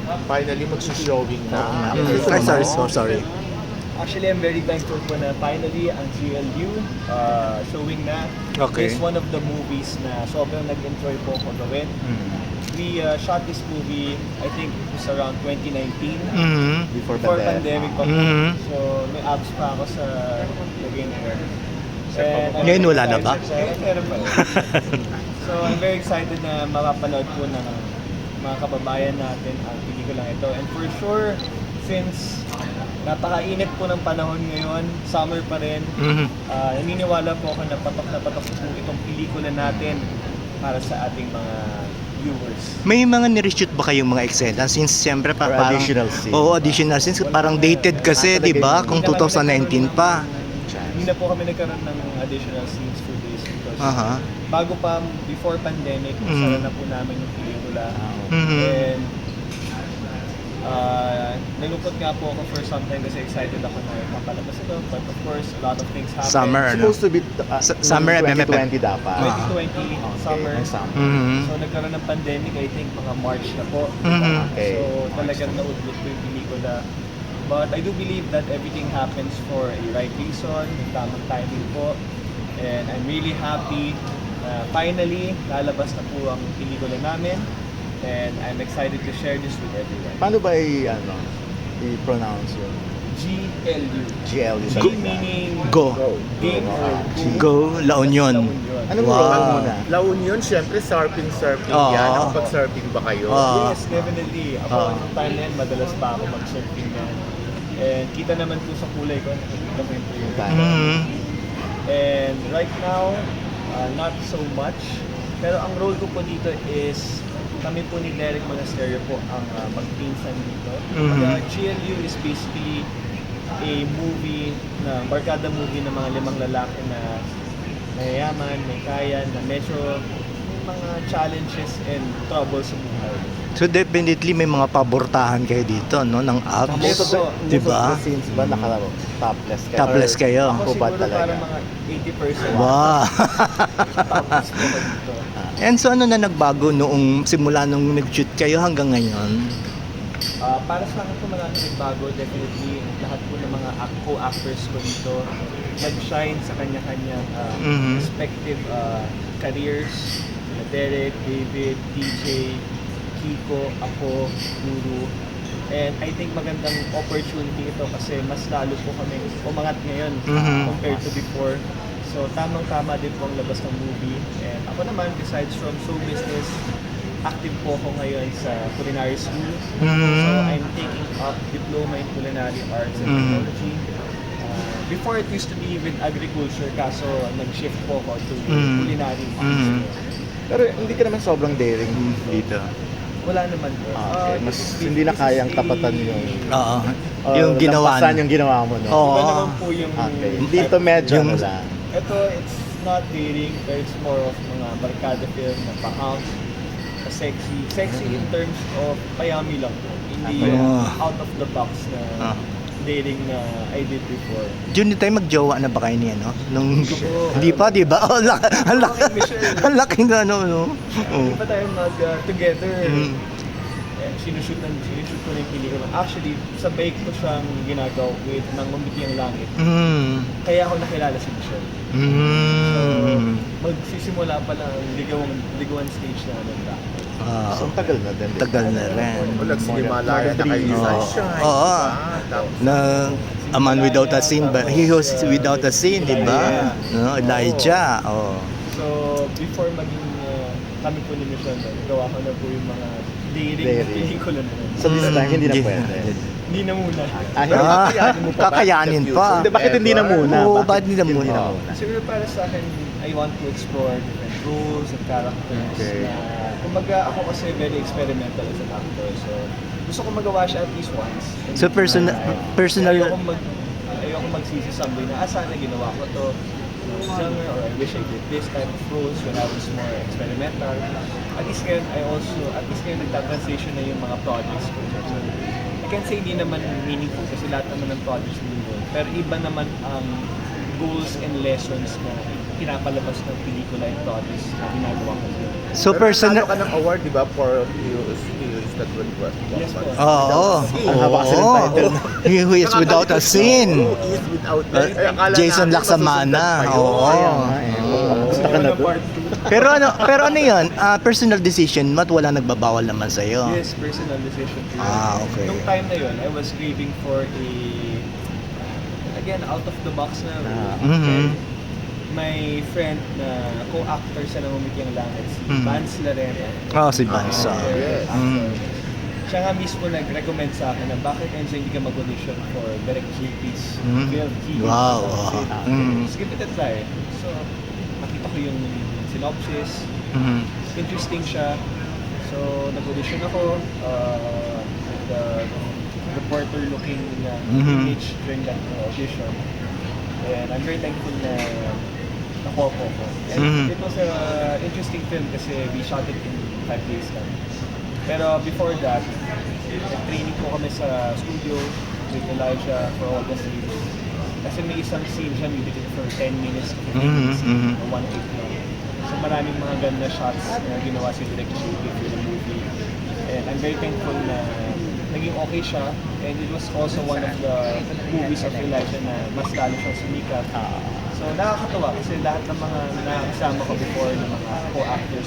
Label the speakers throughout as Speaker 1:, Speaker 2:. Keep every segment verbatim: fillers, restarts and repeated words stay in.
Speaker 1: finally magsi-showing na.
Speaker 2: Mm. Ay, sorry, so sorry.
Speaker 3: Actually, I'm very thankful po na finally ang G L U uh, showing na.
Speaker 2: Okay.
Speaker 3: It's one of the movies na sobrang nag-enjoy po ako gawin. We uh, shot this movie, I think it was around twenty nineteen.
Speaker 2: Mm-hmm.
Speaker 1: Before,
Speaker 3: Before
Speaker 1: pandemic.
Speaker 3: pandemic pa po.
Speaker 2: Mhm.
Speaker 3: So, may abs pa ako sa lagay na yun. And I'm
Speaker 2: Ngayon
Speaker 3: very
Speaker 2: wala na ba?
Speaker 3: excited- Ngayon meron pa. So, I'm very excited na mapapanood po ng mga kababayan natin ang pelikulang ito. And for sure, since napakainit po ng panahon ngayon, summer pa rin,
Speaker 2: Mhm.
Speaker 3: uh, naniniwala po ako na patok na patok po itong pelikula natin para sa ating mga viewers.
Speaker 2: May mga nireshoot ba kayong mga eksena? Since siyempre pa,
Speaker 1: Or
Speaker 2: parang...
Speaker 1: additional scene.
Speaker 2: Oo, additional scenes. Parang dated kasi,
Speaker 1: Ah,
Speaker 2: di ba?
Speaker 1: talaga
Speaker 2: Kung
Speaker 3: Hindi na kami
Speaker 2: twenty nineteen pa.
Speaker 3: nagkaroon- Hindi na po kami nagkaroon ng additional scenes for this because
Speaker 2: Aha.
Speaker 3: bago pa, before pandemic,
Speaker 2: Mhm.
Speaker 3: sara na po namin yung pelikula.
Speaker 2: Mhm.
Speaker 3: And uh, nalungkot nga po ako for some time kasi excited ako na papalabas ito. But of course, a lot of things happen.
Speaker 2: Summer, ano?
Speaker 1: Supposed to be uh,
Speaker 2: Sa- summer,
Speaker 1: twenty twenty dapat.
Speaker 3: twenty twenty,
Speaker 1: Okay,
Speaker 3: summer.
Speaker 1: may summer.
Speaker 2: Mhm.
Speaker 3: So nagkaroon ng pandemic, I think mga March na po.
Speaker 2: Mhm.
Speaker 1: Okay.
Speaker 3: So talagang naudlot po yung pelikula. But I do believe that everything happens for a right reason, yung tamang timing po. And I'm really happy na finally lalabas na po ang pelikula namin. And I'm excited to share this with everyone.
Speaker 1: Paano ba i, ano, i-pronounce yun?
Speaker 3: G L U.
Speaker 1: G L U
Speaker 3: G
Speaker 1: talaga.
Speaker 3: meaning
Speaker 2: Go.
Speaker 3: game or
Speaker 2: Go, La Union.
Speaker 3: La Union.
Speaker 1: Anong
Speaker 2: Wow.
Speaker 1: role muna? La Union, syempre surfing, surfing
Speaker 2: Oo.
Speaker 1: yan. Nakapag-surfing ba kayo?
Speaker 2: Oo.
Speaker 3: Yes, definitely. Ako,
Speaker 2: Ah.
Speaker 3: yung time na yan, madalas pa ako mag-surfing na. And kita naman po sa kulay ko, nakikita ko yung player.
Speaker 2: Mhm.
Speaker 3: And right now, uh, not so much. Pero ang role ko po dito is, kami po ni Derek Monasterio po ang uh, magpinsan dito.
Speaker 2: Mhm.
Speaker 3: The G L U is basically a movie, na barkada movie ng mga limang lalaki na mayayaman, may kaya, na medyo may mga challenges and troubles sa buhay.
Speaker 2: So definitely may mga pabortahan kayo dito, no? Ng abs.
Speaker 3: Yes,
Speaker 1: Most of the,
Speaker 3: po.
Speaker 1: most
Speaker 2: Diba?
Speaker 1: of the scenes ba naka-topless kayo?
Speaker 2: Topless
Speaker 1: Or
Speaker 2: kayo.
Speaker 3: Ako
Speaker 1: Hubad
Speaker 3: siguro
Speaker 1: talaga.
Speaker 3: parang mga eighty percent.
Speaker 2: Wow.
Speaker 3: Tapos po ako dito.
Speaker 2: And so ano na nagbago noong simula nung nag-shoot kayo hanggang ngayon?
Speaker 3: Ah, para sa akin po marami nagbago, definitely lahat po ng mga act- co-actors ko dito nag-shine sa kanya-kanyang ah,
Speaker 2: Mhm.
Speaker 3: respective ah, careers. Sila Derek, David, T J, Kiko, ako, Guru. And I think magandang opportunity ito kasi mas lalo po kami umangat ngayon
Speaker 2: Mhm.
Speaker 3: compared to before. So tamang-tama din po ang labas ng movie. And ako naman, besides from show business, active po ako ngayon sa culinary school.
Speaker 2: Mhm.
Speaker 3: So I'm taking up diploma in culinary arts and
Speaker 2: Mhm.
Speaker 3: technology. Uh, before it used to be with agriculture, kaso nag-shift po ako to
Speaker 2: Mhm.
Speaker 3: culinary arts.
Speaker 2: Mhm.
Speaker 1: Pero hindi ka naman sobrang daring dito.
Speaker 3: Wala naman po.
Speaker 1: Ah, okay.
Speaker 3: Uh,
Speaker 1: Mas
Speaker 3: this is-
Speaker 1: hindi na
Speaker 3: this is
Speaker 1: kayang
Speaker 3: a-
Speaker 1: tapatan yung...
Speaker 2: Oo.
Speaker 1: or
Speaker 2: Yung ginawa.
Speaker 1: lampasan yung ginawa mo, no?
Speaker 2: Oo.
Speaker 3: Iba naman po yung...
Speaker 1: Okay.
Speaker 3: type
Speaker 1: Dito
Speaker 3: of-
Speaker 1: medyo
Speaker 2: Yung-
Speaker 1: ano lang.
Speaker 3: Ito, it's not dating, but it's more of mga barkada film na pa-out, sexy. Sexy in terms of payami lang po. Hindi
Speaker 2: Okay.
Speaker 3: yung
Speaker 2: Ah.
Speaker 3: out of the box na
Speaker 2: Ah.
Speaker 3: dating na I did before.
Speaker 2: Jun, di tayo magjowa na ba kayo niya, no? Nung...
Speaker 3: Oo.
Speaker 2: Hindi pa, di ba? Oh, laki, ang laki,
Speaker 3: Okay, Michelle.
Speaker 2: ang laki na, ano, no? Oh.
Speaker 3: Hindi pa tayo mag-together.
Speaker 2: Mm.
Speaker 3: Eh, sinushoot, ng, sinushoot ko na yung pelikula. Actually, sabay ko siyang ginagawa with ng Umiti ang Langit.
Speaker 2: Mm.
Speaker 3: Kaya ako nakilala si Michelle. So,
Speaker 2: Mm.
Speaker 3: magsisimula pa lang ang ligawan, ligawan stage na nagda.
Speaker 2: Ah,
Speaker 1: So, tagal na din. di ba?
Speaker 2: tagal na rin.
Speaker 1: O, nagsinimalayan na kayo
Speaker 2: Oo.
Speaker 1: sa Sunshine.
Speaker 2: Oo.
Speaker 1: diba? Tapos,
Speaker 2: Na a man without a sin, but he was without a sin, di ba? No, Elijah. Oh.
Speaker 3: So, before maging uh, kami po ni Michelle, gawa ko na po yung mga dating na
Speaker 1: Dating.
Speaker 3: pelikula na.
Speaker 1: so this time, hindi na
Speaker 2: Hindi-
Speaker 1: pwede.
Speaker 3: Hindi na muna.
Speaker 1: Ah,
Speaker 2: Ah,
Speaker 1: kakayanin mo pa ba?
Speaker 2: kakayanin
Speaker 1: In the
Speaker 2: pa.
Speaker 1: future? Hindi, bakit hindi na muna?
Speaker 2: Oo, bakit hindi na muna?
Speaker 3: Siguro para sa akin, I want to explore different roles and characters.
Speaker 1: Okay.
Speaker 3: Na, kumbaga ako kasi very experimental as an actor. So, gusto ko magawa siya at least once. And,
Speaker 2: So personal,
Speaker 3: uh,
Speaker 2: personal,
Speaker 3: Ayoko, mag, ayoko magsisi someday na, ah, sana ginawa ko to summer or I wish I did this type of roles when I was more experimental. At least ngayon, I also, at least ngayon nagta-transition na yung mga projects ko. So, I can say hindi naman meaningful kasi lahat naman ng projects meaningful. Pero iba naman ang goals and lessons na pinapalabas ng pelikula and projects na ginagawa ko.
Speaker 2: so
Speaker 1: Pero
Speaker 2: personal,
Speaker 1: nanalo ka ng award, di ba, for you,
Speaker 4: that would what?
Speaker 3: Yes po.
Speaker 2: Oo.
Speaker 1: Ang haba kasi ng title.
Speaker 2: He who is without a sin.
Speaker 4: Who is without
Speaker 2: Uh,
Speaker 4: Ay, akala
Speaker 2: Jason
Speaker 4: natin
Speaker 2: Laksamana.
Speaker 4: masusundan pa yun.
Speaker 2: Oo.
Speaker 1: Kaya nga eh. Basta ka na
Speaker 3: Ano,
Speaker 1: doon.
Speaker 3: part two.
Speaker 2: Pero ano, pero ano 'yun? Ah, personal decision mo at wala nagbabawal naman sa iyo.
Speaker 3: Yes, personal decision. to yun.
Speaker 2: Ah, okay.
Speaker 3: Nung time na yun, I was craving for a, again, out of the box na
Speaker 1: Ah.
Speaker 3: role.
Speaker 2: Mhm.
Speaker 3: My friend na co-actor sa Namumiti ang Langit, si
Speaker 2: Mhm.
Speaker 3: Vance Larena.
Speaker 2: Oh, si Bansa.
Speaker 4: Ah, yes.
Speaker 2: Mm.
Speaker 3: Siya nga mismo nag-recommend sa akin na bakit Enzo hindi ka mag-audition for Direct J P's
Speaker 2: Mhm.
Speaker 3: film. He
Speaker 2: Wow.
Speaker 3: He-
Speaker 2: ah. Mm.
Speaker 3: Just give it a try. So, nakita ko yung synopsis.
Speaker 2: Mhm.
Speaker 3: Interesting siya. So, nag-audition ako uh, with the reporter-looking uh,
Speaker 2: Mhm.
Speaker 3: image during that uh, audition. And I'm very thankful na nakuha po ko. And
Speaker 2: Mhm.
Speaker 3: it was a interesting film kasi we shot it in five days lang. Pero before that, training po kami sa studio with Elijah for all the scenes. Kasi may isang scene siya, maybe for ten minutes, fifteen
Speaker 2: Mhm,
Speaker 3: minutes,
Speaker 2: mhm.
Speaker 3: or one take lang. So maraming mga ganda shots na ginawa si Direk J P for the movie. And I'm very thankful na naging okay siya. And it was also one of the movies of Elijah na mas lalo siyang sumikat. So nakakatawa kasi lahat ng mga nakakasama ko before ng mga co-actors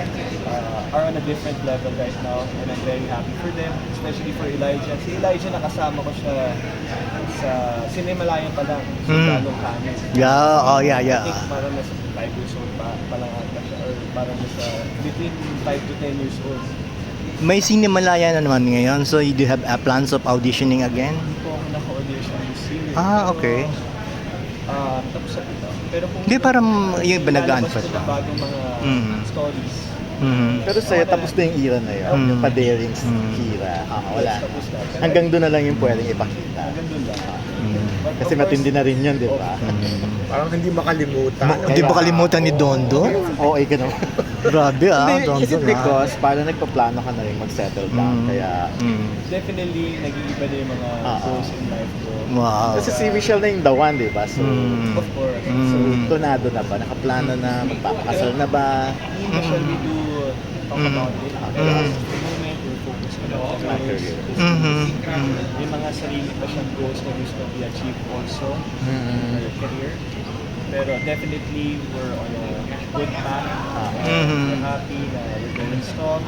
Speaker 3: uh, are on a different level right now. And I'm very happy for them, especially for Elijah. Si Elijah nakasama ko siya sa Cinemalayan pa lang, sa
Speaker 2: Mm.
Speaker 3: Dalong Kanin.
Speaker 2: Yeah, oh yeah,
Speaker 3: I
Speaker 2: yeah.
Speaker 3: think parang nasa five years old pa, pa lang ata siya, or parang nasa between five to ten years old.
Speaker 2: May Cinemalaya na naman ngayon, so you do have uh, plans of auditioning again?
Speaker 3: Hindi po ako naka-audition this year.
Speaker 2: Ah, okay.
Speaker 3: Ah, tapos sa ito. Pero kung
Speaker 2: Hindi, parang yung iba
Speaker 3: lalabas
Speaker 2: nag-unfat
Speaker 3: ko
Speaker 2: lang.
Speaker 3: ng bagong mga
Speaker 2: Mhm.
Speaker 3: stories.
Speaker 2: Mhm.
Speaker 1: Pero sa'yo, tapos na yung era na yun.
Speaker 2: Mm.
Speaker 1: Yung pa-daring
Speaker 2: Mm.
Speaker 1: era. Ah, wala
Speaker 3: Yes,
Speaker 1: na.
Speaker 3: tapos na. Pero
Speaker 1: Hanggang doon na lang yung pwedeng ipakita.
Speaker 3: Hanggang doon lang.
Speaker 2: Mm.
Speaker 3: But
Speaker 1: Kasi
Speaker 3: of course,
Speaker 1: matindi na rin yun, di ba?
Speaker 2: Mm.
Speaker 4: Parang hindi makalimutan.
Speaker 2: Ma- Hindi ba kalimutan ni Dondo?
Speaker 1: Oo, eh, ganun.
Speaker 2: Grabe ah,
Speaker 1: Hindi,
Speaker 2: Dondo.
Speaker 1: is it because parang nagpaplano ka na rin mag-settle down,
Speaker 2: Mm.
Speaker 1: kaya...
Speaker 2: Mm.
Speaker 3: Definitely, nag-iiba na yung mga
Speaker 1: Ah,
Speaker 3: goals
Speaker 1: ah.
Speaker 3: in life ko.
Speaker 2: Wow.
Speaker 1: Kasi si Michelle na yung the one, di ba? So,
Speaker 2: Mm.
Speaker 3: Of course.
Speaker 1: so
Speaker 2: Mm.
Speaker 1: tunado na ba? Nakaplano na? Magpapakasal na ba?
Speaker 3: Hindi shall we do talk
Speaker 2: Mm.
Speaker 3: about it. Pero
Speaker 2: Mm.
Speaker 3: at the moment, we're focused on our
Speaker 1: My
Speaker 3: careers.
Speaker 1: career.
Speaker 2: Mhm.
Speaker 3: May mga sarili pa siyang goals na gusto i-achieve also in
Speaker 1: Mm.
Speaker 3: her career. Pero definitely, we're on a good path.
Speaker 2: Mhm.
Speaker 3: We're happy na we're going strong.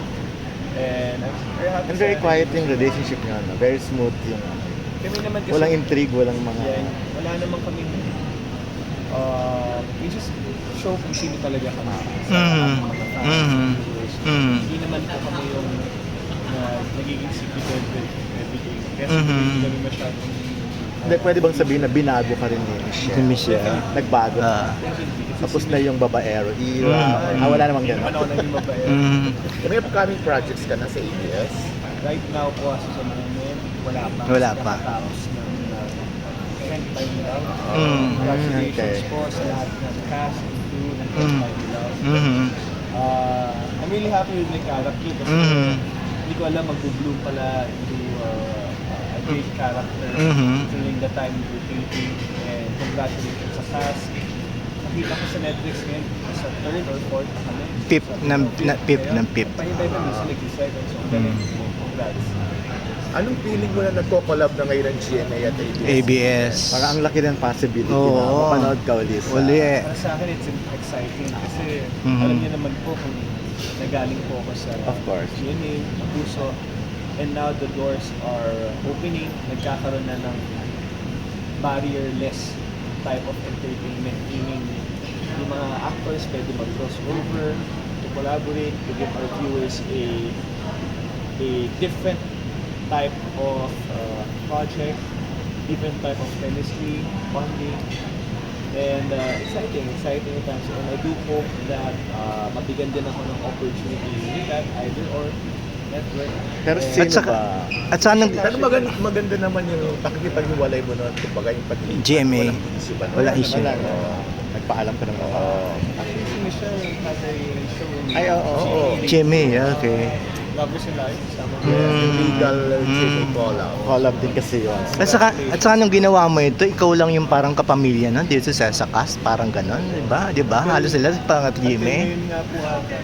Speaker 3: And I'm very happy.
Speaker 1: And very
Speaker 3: sa-
Speaker 1: quiet yung relationship niyo, no? Very smooth yung...
Speaker 3: Kami naman kasi,
Speaker 1: Walang intrigue, walang mga...
Speaker 3: yeah, wala naman kami, uh, we just show kung sino talaga kami sa
Speaker 2: Mhm.
Speaker 3: ating mga fans,
Speaker 2: Mhm.
Speaker 3: viewers.
Speaker 2: Mhm.
Speaker 3: Hindi naman po kami yung na nagiging secretive with everything. Kasi
Speaker 2: Mhm.
Speaker 3: hindi kami masyadong
Speaker 1: Hindi, pwede bang sabihin na binago ka rin ni Michelle?
Speaker 2: Si Michelle.
Speaker 1: Nagbago.
Speaker 2: Ah.
Speaker 1: Tapos na yung babaero era.
Speaker 2: Mm.
Speaker 1: Ah, wala namang
Speaker 3: Hindi
Speaker 1: ganun.
Speaker 3: naman ako naging mabait.
Speaker 2: Mm.
Speaker 4: May upcoming projects ka na sa A B S?
Speaker 3: Right now po, as sa moment, wala pa.
Speaker 2: Wala pa.
Speaker 3: Nakatapos ng uh, Can't Time Love.
Speaker 2: Mm.
Speaker 3: Congratulations
Speaker 1: Okay.
Speaker 3: po sa lahat ng cast and crew ng Can't
Speaker 2: Mm.
Speaker 3: Time Love.
Speaker 2: Mhm.
Speaker 3: Uh, I'm really happy with my character kasi
Speaker 2: Mhm.
Speaker 3: hindi ko alam mag-bloom pala into uh, a great character
Speaker 2: Mhm.
Speaker 3: during the time we were taping. And congratulations sa cast. Nakita ko sa Netflix ngayon, sa third or fourth na kami.
Speaker 2: Pip
Speaker 3: Sa
Speaker 2: ng-
Speaker 3: fifth
Speaker 2: na- pip
Speaker 3: ngayon.
Speaker 2: ng pip.
Speaker 3: Pahintay pa minsan nag-second. So, galing.
Speaker 2: Mm.
Speaker 3: Congrats.
Speaker 4: Anong feeling mo na nagko-collab na ngayon ng G M A at A B S?
Speaker 2: A B S.
Speaker 1: Parang ang laki ng possibility
Speaker 2: Oo.
Speaker 1: na mapanood ka ulit. sa-
Speaker 2: Uli.
Speaker 3: Para sa akin, it's exciting kasi
Speaker 2: Mhm.
Speaker 3: alam niyo naman po kung nagaling po ako sa
Speaker 1: Of course.
Speaker 3: G M A, Puso, and now the doors are opening, nagkakaroon na ng barrier-less type of entertainment, meaning yung mga actors pwede mag-crossover, to collaborate, to give our viewers a a different type of uh, project, different type of chemistry, bonding, and uh, exciting, exciting times. And I do hope that uh, mabigyan din ako ng opportunity with that, either or network.
Speaker 1: Pero
Speaker 3: And-
Speaker 1: sino
Speaker 2: At saka-
Speaker 1: ba?
Speaker 2: At sana
Speaker 4: Pero maganda, maganda naman yung pakikipag-iwalay mo nun, kumbaga yung pati
Speaker 2: G M A.
Speaker 4: walang issue ba?
Speaker 2: Wala issue.
Speaker 1: Wala na. Nagpaalam ka ng mga...
Speaker 3: Actually, si Michelle has a show in
Speaker 1: Ay, oo, oo.
Speaker 2: G M A, okay.
Speaker 3: lovers in life. Tama.
Speaker 4: Yung legal mm. collab.
Speaker 1: Collab din kasi yun.
Speaker 2: At saka, at saka nung ginawa mo ito, ikaw lang yung parang kapamilya nun dito sa sa cast, parang ganon, di ba? Di ba? Halos sila parang at
Speaker 3: Yun
Speaker 2: Jimmy.
Speaker 3: nga po ata.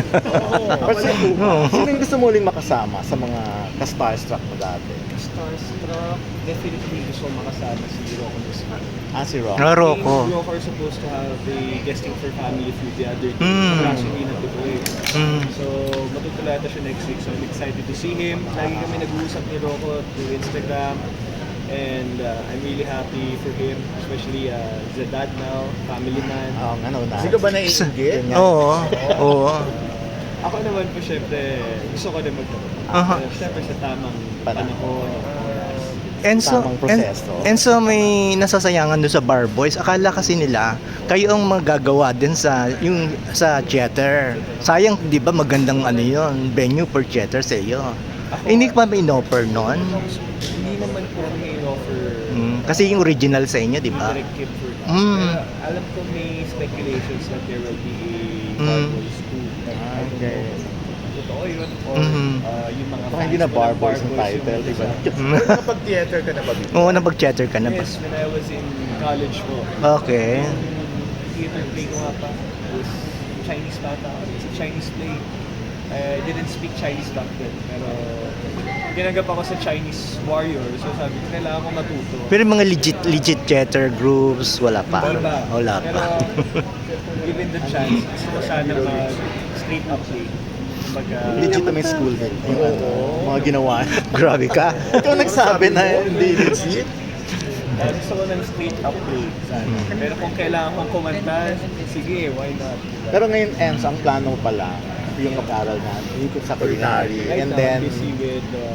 Speaker 1: Pero sino,
Speaker 2: Oo.
Speaker 1: sino yung gusto mo uling makasama sa mga ka-starstruck mo dati?
Speaker 3: Starstruck, definitely gusto ko makasama si Rocco Nusman.
Speaker 1: Ah, si Rock.
Speaker 2: Ah, Rocco.
Speaker 3: We are supposed to have a guesting for family food the other day.
Speaker 2: Mm.
Speaker 3: Kaso hindi natutuloy.
Speaker 2: Mm.
Speaker 3: So, matutula ata siya next week. So, I'm excited to see him. Lagi kami nag-uusap ni Rocco through Instagram. And uh, I'm really happy for him. Especially uh, he's a dad now, family man.
Speaker 1: Oo, nga, no, na.
Speaker 4: Hindi ka ba naiinggit?
Speaker 1: Yun nga.
Speaker 2: Oo. Oo.
Speaker 3: Ako naman po, syempre, gusto ko din magkaroon.
Speaker 2: Aha.
Speaker 3: Uh, syempre, sa tamang
Speaker 1: Panahon.
Speaker 3: panahon, oras.
Speaker 2: Enzo,
Speaker 1: Tamang proseso.
Speaker 2: En- Enzo, may nasasayangan doon sa Bar Boys. Akala kasi nila, kayo ang magagawa din sa yung sa theater. Sayang, di ba, magandang ano yun, venue for theater sa iyo.
Speaker 3: Ako-
Speaker 2: Eh, hindi ka pa may in-offer noon?
Speaker 3: Hindi naman po may offer
Speaker 2: Mm, kasi yung original sa inyo, di
Speaker 3: yung
Speaker 2: ba?
Speaker 3: direct kid for that.
Speaker 2: Mm.
Speaker 3: Pero alam ko may speculations that there will be a
Speaker 2: Mm.
Speaker 3: Bar Boys two. But I don't
Speaker 1: Okay.
Speaker 3: know. Totoo yun. Or
Speaker 2: Mhm.
Speaker 3: uh, yung mga
Speaker 1: Baka hindi na
Speaker 3: fans
Speaker 1: Bar
Speaker 3: ng
Speaker 1: Boys yung title,
Speaker 3: yung-
Speaker 1: di ba?
Speaker 2: Mm.
Speaker 4: Pero nakapag-theater ka na ba before?
Speaker 2: Oo, napag-theater ka na ba?
Speaker 3: Yes, when I was in college po.
Speaker 2: Okay.
Speaker 3: Yung theater play ko nga pa was Chinese bata. It's a Chinese play. I didn't speak Chinese back then. Pero ginagap ako sa Chinese warrior. So sabi ko, kailangan ko matuto.
Speaker 2: Pero yung mga legit legit theater groups, wala pa.
Speaker 3: Hindi ba?
Speaker 2: Wala
Speaker 3: Pero
Speaker 2: pa.
Speaker 3: given the chance, gusto ko sana mag straight up play. Kumbaga,
Speaker 1: Legitimate school din. Yung ano, mga ginawa.
Speaker 2: Grabe ka.
Speaker 1: Ikaw nagsabi na hindi legit.
Speaker 3: uh, gusto ko ng straight up play sana. Pero kung kailangan kong kumanta, sige, why not?
Speaker 1: Pero ngayon, Enzo, ang plano mo pala, yung mag-aral na, ikot sa culinary.
Speaker 3: Right
Speaker 1: And
Speaker 3: now,
Speaker 1: then,
Speaker 3: busy with uh,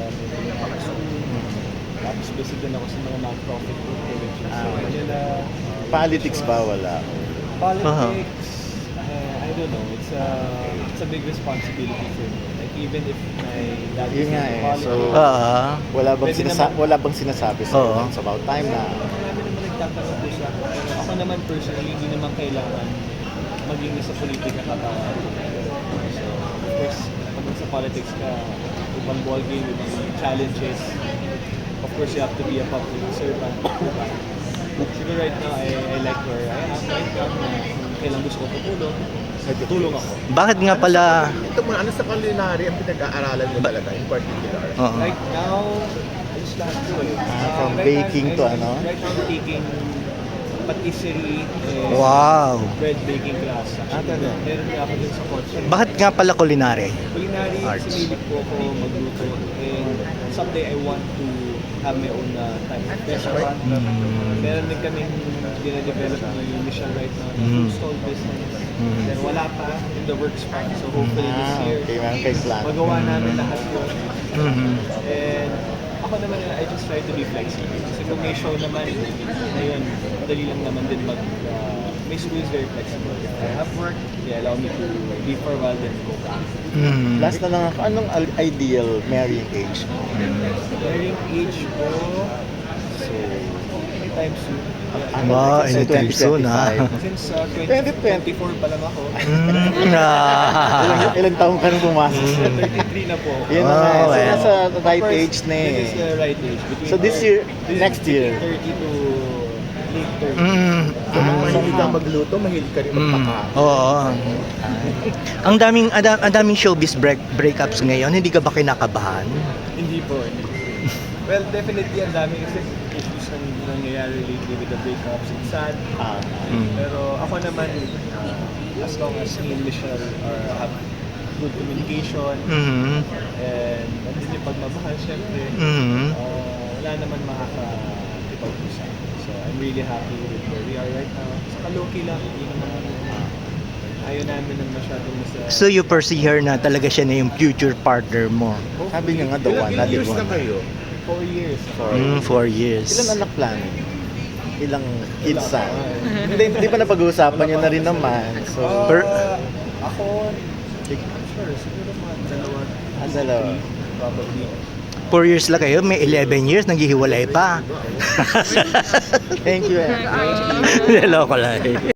Speaker 3: tapos busy din ako sa mga non-profit projects.
Speaker 1: Ah,
Speaker 3: So,
Speaker 1: okay.
Speaker 3: yun na,
Speaker 1: politics ba? Wala.
Speaker 3: politics, uh, I don't know, it's a, it's a big responsibility for me. Like, even if my dad
Speaker 1: Yun
Speaker 3: is
Speaker 1: nga
Speaker 3: in
Speaker 1: eh,
Speaker 3: politics,
Speaker 1: so-
Speaker 2: Ah.
Speaker 1: Wala bang,
Speaker 3: Pwede
Speaker 1: sinasa-
Speaker 3: naman.
Speaker 1: wala bang sinasabi sa
Speaker 2: Oo.
Speaker 1: It's about time na
Speaker 3: marami naman nagtatanong po sa akin. Pero ako naman personally, hindi naman kailangan maging nasa politika ka pa. So, of course, pag sa politics ka, ibang ballgame, ibang challenges. Of course, you have to be a public servant. Diba? Siguro right now, I, I like where I am right now. Na kung kailan gusto ko tutulong, nagtutulong ako.
Speaker 2: Bakit nga pala
Speaker 4: Ito muna, ano sa culinary ang pinag-aaralan mo talaga in particular?
Speaker 2: Oo.
Speaker 3: Right now, I just lahat ko eh.
Speaker 1: Ah,
Speaker 3: Uh,
Speaker 1: from
Speaker 3: right
Speaker 1: baking
Speaker 3: now,
Speaker 1: to
Speaker 3: I'm-
Speaker 1: ano?
Speaker 3: Right now, I'm taking patisserie and
Speaker 2: Wow.
Speaker 3: bread baking class.
Speaker 1: Ah, talaga?
Speaker 3: Meron nga ako dun sa course.
Speaker 2: Bakit nga pala culinary?
Speaker 3: Culinary,
Speaker 2: Arts.
Speaker 3: sinilip ko ako magluto. And someday I want to have my own uh, type of restaurant.
Speaker 2: Mm.
Speaker 3: Meron din kaming dina-develop na yung mission right now.
Speaker 2: Mm.
Speaker 3: Food stall business.
Speaker 2: Mm.
Speaker 3: Then wala pa in the works pa. So hopefully this
Speaker 1: Ah,
Speaker 3: year,
Speaker 1: okay, meron kayong plan.
Speaker 3: magawa namin lahat yun.
Speaker 2: Mhm.
Speaker 3: And ako naman, I just try to be flexible. Kasi kung may show naman, ayun, madali lang naman din mag... Uh, my school is very flexible. If I have work, they allow me to leave for a while, then go back.
Speaker 2: Mhm.
Speaker 1: Last na lang ako, anong al- ideal marrying age mo?
Speaker 3: Wearing age ko, so, anytime soon.
Speaker 1: Ano,
Speaker 2: Wow,
Speaker 1: kasi
Speaker 2: anytime soon, ah.
Speaker 3: Since uh,
Speaker 1: twenty
Speaker 3: twenty twenty-four pa lang ako,
Speaker 2: Mm. Ah.
Speaker 1: Ilang, ilang taon ka nung pumasok?
Speaker 3: thirty-three na po.
Speaker 1: Yun na nga, eh.
Speaker 2: Oh,
Speaker 1: so
Speaker 2: well.
Speaker 1: nasa right
Speaker 3: Of course,
Speaker 1: age na eh.
Speaker 3: This is the right age. Between
Speaker 1: So this
Speaker 3: uh,
Speaker 1: year,
Speaker 3: this is
Speaker 1: next year.
Speaker 3: between thirty to late thirty.
Speaker 2: Mm.
Speaker 4: Kung
Speaker 1: Ah,
Speaker 4: mahilig ka
Speaker 1: somehow.
Speaker 4: magluto, mahilig ka rin
Speaker 2: Mm.
Speaker 4: magpaka.
Speaker 2: Oo. Ang daming ang da- ang daming showbiz break breakups ngayon, hindi ka ba kinakabahan?
Speaker 3: Hindi po, hindi po. Well, definitely ang dami kasi issues na nangyayari lately with the breakups. It's sad.
Speaker 1: Ah,
Speaker 2: Mm.
Speaker 3: Pero ako naman, uh, as long as me and Michelle are have good communication
Speaker 2: Mhm.
Speaker 3: and nandun yung pagmamahal, syempre,
Speaker 2: Mhm.
Speaker 3: uh, wala naman makaka-ipag-usap. So I'm really happy with where we are right now. Saka low-key lang, hindi naman ayaw namin ng masyadong nasa...
Speaker 2: So you perceive her na talaga siya na yung future partner mo.
Speaker 1: sabi niya nga, the one,
Speaker 4: Ilang
Speaker 1: not the
Speaker 4: years na
Speaker 1: one.
Speaker 4: kayo?
Speaker 3: Four years.
Speaker 1: Four.
Speaker 2: Mm, four years.
Speaker 1: Ilang anak plan? Ilang kids sa? Hindi, hindi pa napag-uusapan yun na rin naman. So,
Speaker 3: Uh,
Speaker 2: Per-
Speaker 3: ako, sure, siguro mga dalawa.
Speaker 1: Ah, dalawa.
Speaker 3: Probably.
Speaker 2: Four years lang kayo, may eleven years, naghihiwalay pa.
Speaker 1: thank you eh.
Speaker 2: Hello ko lang.